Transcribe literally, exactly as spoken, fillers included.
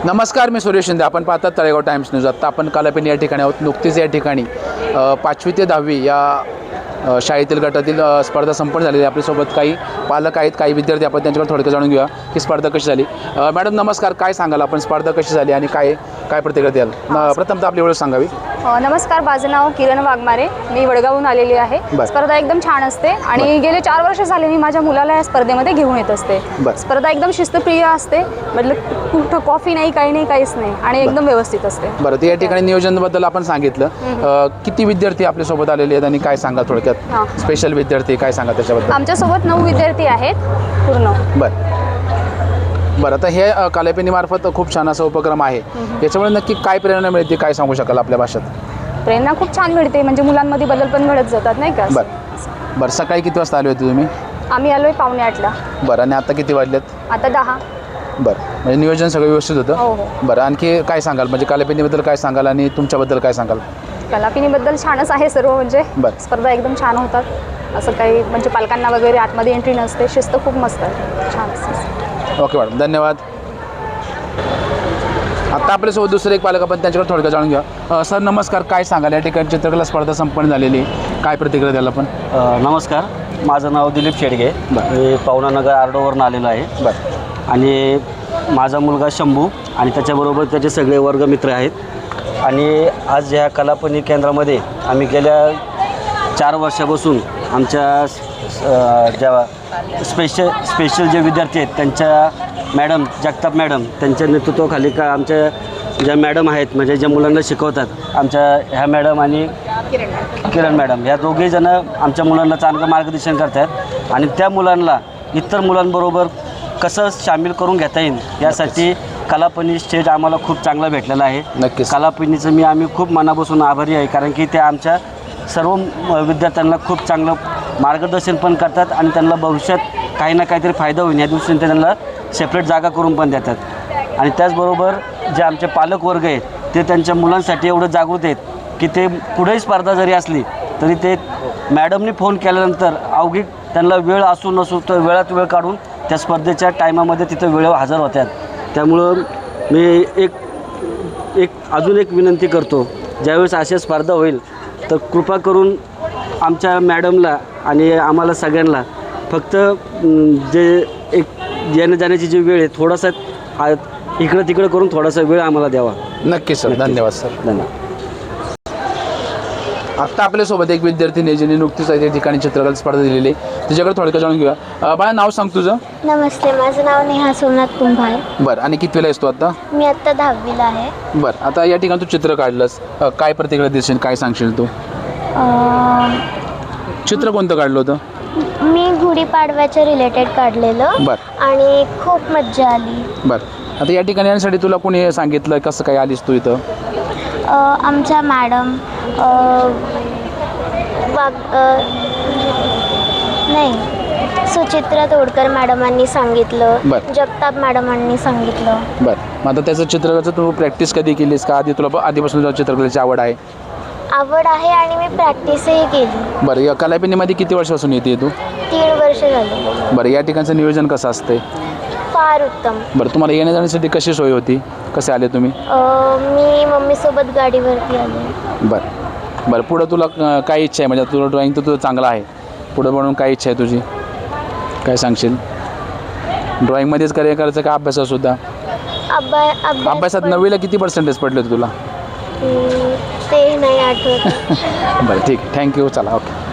नमस्कार, मी सुरेश शिंदे. आपण पाहतात तळेगाव टाइम्स न्यूज. आत्ता आपण कालापेनी या ठिकाणी आहोत. नुकतीच या ठिकाणी अ, पाचवी ते दहावी या अ, शाळेतील गटातील अ, स्पर्धा संपन्न झालेली आहे. आपल्यासोबत काही पालक आहेत, काही विद्यार्थी. आपण त्यांच्याकडे थोडक्यात जाणून घेऊया की स्पर्धा कशी झाली. अ, मॅडम नमस्कार, काय सांगाल आपण, स्पर्धा कशी झाली आणि काय काय प्रतिक्रिया द्याल? न- प्रथमतः आपली ओळख सांगावी. अ, नमस्कार, माझं नाव किरण वाघमारे. मी वडगावहून आलेली आहे. बरं. स्पर्धा एकदम छान असते आणि गेले चार वर्ष झाले मी माझ्या मुलाला या स्पर्धेमध्ये घेऊन येत असते. बरं. स्पर्धा एकदम शिस्तप्रिय असते, मतलब कुठं कॉफी नाही, काही नाही, काहीच नाही आणि एकदम व्यवस्थित असते. बरं, तर या ठिकाणी नियोजनाबद्दल आपण सांगितलं. अ, किती विद्यार्थी आपल्यासोबत आलेले आहेत आणि काय सांगा थोडक्यात? हां. स्पेशल विद्यार्थी काय सांगा त्याच्याबद्दल? आमच्यासोबत नऊ विद्यार्थी आहेत पूर्ण. बरं बरं आता हे अ, कालापेनीमार्फत खूप छान असा उपक्रम आहे. याच्यामुळे नक्की काय प्रेरणा मिळते, काय सांगू शकाल आपल्या भाषेत? प्रेरणा खूप छान मिळते, म्हणजे मुलांमध्ये बदल पण घडत जातात, नाही का? बरं बरं सकाळी किती वाजता आले होते तुम्ही? आम्ही आलोय पावणे आठला. बरं, आणि आता किती वाजलेत? आता दहा. बरं, म्हणजे नियोजन सगळं व्यवस्थित होतं? हो हो. बरं, आणखी काय सांगाल, म्हणजे कालापेनीबद्दल काय सांगाल आणि तुमच्याबद्दल काय सांगाल? कलापिनीबद्दल छानच आहे सर्व, म्हणजे बरं. स्पर्धा एकदम छान होतात. असं काही म्हणजे पालकांना वगैरे आतमध्ये एंट्री नसते, शिस्त खूप मस्त आहे, छान असते. ओके मॅडम, धन्यवाद. आता आपल्यासोबत दुसरे एक पालक, आपण त्यांच्याकडे थोडक्यात जाणून घ्या. अ, सर नमस्कार, काय सांगाल, या ठिकाणी चित्रकला स्पर्धा संपन्न झालेली, काय प्रतिक्रिया द्याल आपण? अ, नमस्कार, माझं नाव दिलीप शेडगे. मी पवनानगर आर्डोवरून आलेलो आहे. बरं. आणि माझा मुलगा शंभू आणि त्याच्याबरोबर त्याचे सगळे वर्गमित्र आहेत. आणि आज ह्या कलापणी केंद्रामध्ये आम्ही गेल्या चार वर्षापासून आमच्या अ, ज्या स्पेशल स्पेशल जे विद्यार्थी आहेत त्यांच्या मॅडम जगताप मॅडम त्यांच्या नेतृत्वाखाली का आमच्या ज्या मॅडम आहेत, म्हणजे ज्या मुलांना शिकवतात, आमच्या ह्या मॅडम आणि किरण मॅडम, या दोघेही जण आमच्या मुलांना चांगलं मार्गदर्शन करतात. आणि त्या मुलांना इतर मुलांबरोबर कसं सामील करून घेता येईल यासाठी कलापणी स्टेज आम्हाला खूप चांगला भेटलेला आहे. नक्कीच. कलापणीचं मी आम्ही खूप मनापासून आभारी आहे, कारण की ते आमच्या सर्व विद्यार्थ्यांना खूप चांगलं मार्गदर्शन पण करतात आणि त्यांना भविष्यात काही ना काहीतरी फायदा होईल या दृष्टीने ते त्यांना सेपरेट जागा करून पण देतात. आणि त्याचबरोबर जे आमचे पालक वर्ग आहेत ते त्यांच्या मुलांसाठी एवढं जागृत आहेत की ते कुठेही स्पर्धा जरी असली तरी ते मॅडमनी फोन केल्यानंतर अवघी त्यांना वेळ असू नसू तर वेळात वेळ काढून त्या स्पर्धेच्या टायमामध्ये तिथं वेळेवर हजर होतात. त्यामुळं मी एक एक अजून एक विनंती करतो, ज्यावेळेस अशा स्पर्धा होईल तर कृपा करून आमच्या मॅडमला आणि आम्हाला सगळ्यांना फक्त जे एक येण्या जाण्याची जी वेळ आहे थोडासा आ- इकडं तिकडं करून थोडासा वेळ आम्हाला द्यावा. नक्कीच सर, धन्यवाद सर. धन्यवाद. आत्ता आपल्यासोबत एक विद्यार्थी जिने नुकतीच या ठिकाणी चित्रकला स्पर्धा दिलेली आहे, तिच्याकडे थोडक्यात जाणून घेऊया. अ, बाळा, नाव सांग तुझं. नमस्ते, माझं नाव नेहा सोमनाथ कुंभार. बरं, आणि कितवीला आहेस तू आता? मी आत्ता दहावीला आहे. बरं, आता या ठिकाणी तू चित्र काढलंस, अ, काय प्रतिक्रिया देशील, काय सांगशील तू? अं, चित्र कोणतं काढलं होतं? मी गुढीपाडव्याच्या रिलेटेड काढलेलं बरं आणि खूप मज्जा आली. बरं, आता या ठिकाणी येण्यासाठी तुला कोणी सांगितलं, कसं काय आलीस तू इथं? अं, आमच्या मॅडम अं, वाग अं, नाही सुचित्रा तोडकर मॅडमांनी सांगितलं, बरं. जगताप मॅडमांनी सांगितलं. बरं, मग आता त्याचं चित्रकलेचं तू प्रॅक्टिस कधी केलीस का? आधी तुला आधीपासून तुला चित्रकलेची आवड आहे? आवड आहे आणि मी प्रॅक्टिसही केली. बरं, या कलापेनीमध्ये किती वर्षापासून येते तू? तीन वर्ष झाली. बरं, या ठिकाणचं नियोजन कसं असते? फार उत्तम. बरं, तुम्हाला येण्या जाण्यासाठी कशी सोय होती, कसे आले तुम्ही? अं, मी मम्मीसोबत गाडीवरती आले. बरं बरं, पुढं तुला अ, काय इच्छा आहे, म्हणजे तुला ड्रॉइंग तर तुझं चांगलं आहे, पुढं बनवून काय इच्छा आहे तुझी, काय सांगशील? ड्रॉइंगमध्येच करिअर करायचं का अभ्यासातसुद्धा? अभ्या अभ्यास अभ्यासात पण- नववीला किती पर्सेंटेज पडले होते तुला? हम्म, ते नाही आठवत. बरं, ठीक आहे, थँक्यू, चला, ओके.